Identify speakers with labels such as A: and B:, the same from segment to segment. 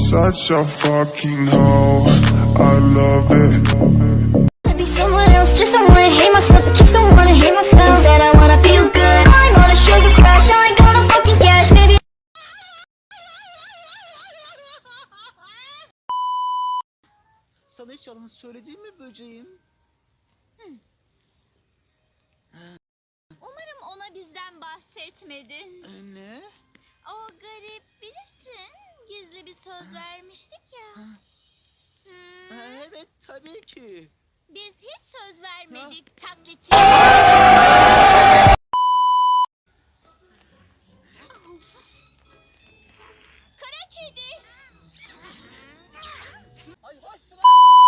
A: such a fucking hoe. I love it.
B: Be someone else, just don't wanna hate myself, but just don't wanna hate myself. Instead I wanna feel good. I'm on a sugar crash, I ain't gonna fucking cash, maybe.
C: Sana hiç yalan söyledim mi böceğim?
D: Umarım ona bizden bahsetmedin.
C: Ne?
D: O garip, bilirsin. Gizli bir söz vermiştik ya.
C: Evet tabii ki.
D: Biz hiç söz vermedik taklitçi. Kara kedi.
C: Ay bastır.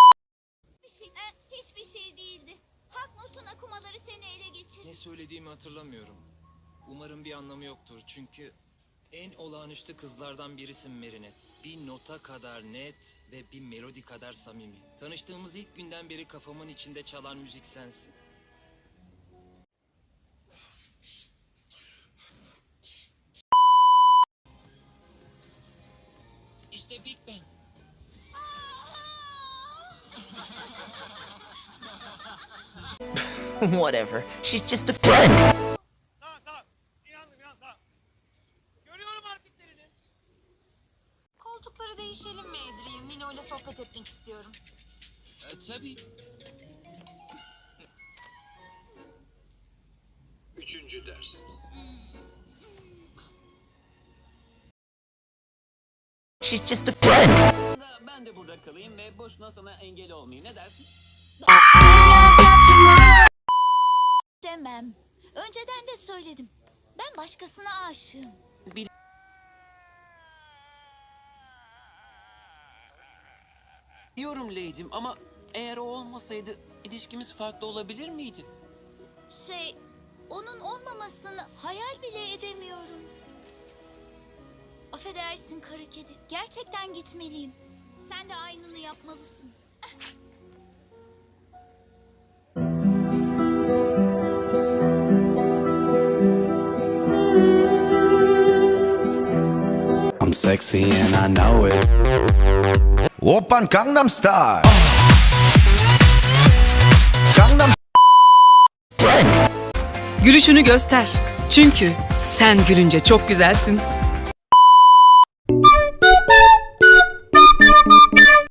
D: Hiçbir şey değildi. Hakmut'un akumaları seni ele geçirdi.
E: Ne söylediğimi hatırlamıyorum. Umarım bir anlamı yoktur çünkü en olağanüstü kızlardan birisin Merinet. Bir nota kadar net ve bir melodi kadar samimi. Tanıştığımız ilk günden beri kafamın içinde çalan müzik sensin.
F: İşte Big Bang.
G: Whatever. She's just a friend.
H: Tamam. İnandım tamam. Görüyorum hareketlerini.
I: Koltukları değişelim mi Adrian? Mino ile sohbet etmek istiyorum.
F: Tabii.
J: Üçüncü ders.
G: She's just a friend.
K: Ben de burada kalayım ve boşuna sana engel olmayayım. Ne dersin?
D: Demem. Önceden de söyledim. Ben başkasına aşığım.
K: Biliyorum Lady'm ama eğer o olmasaydı ilişkimiz farklı olabilir miydi?
D: Onun olmamasını hayal bile edemiyorum. Affedersin kara kedi. Gerçekten gitmeliyim. Sen de aynını yapmalısın.
L: I'm sexy and I know it. Oppan Gangnam Style. Gangnam.
M: Gülüşünü göster. Çünkü sen gülünce çok güzelsin.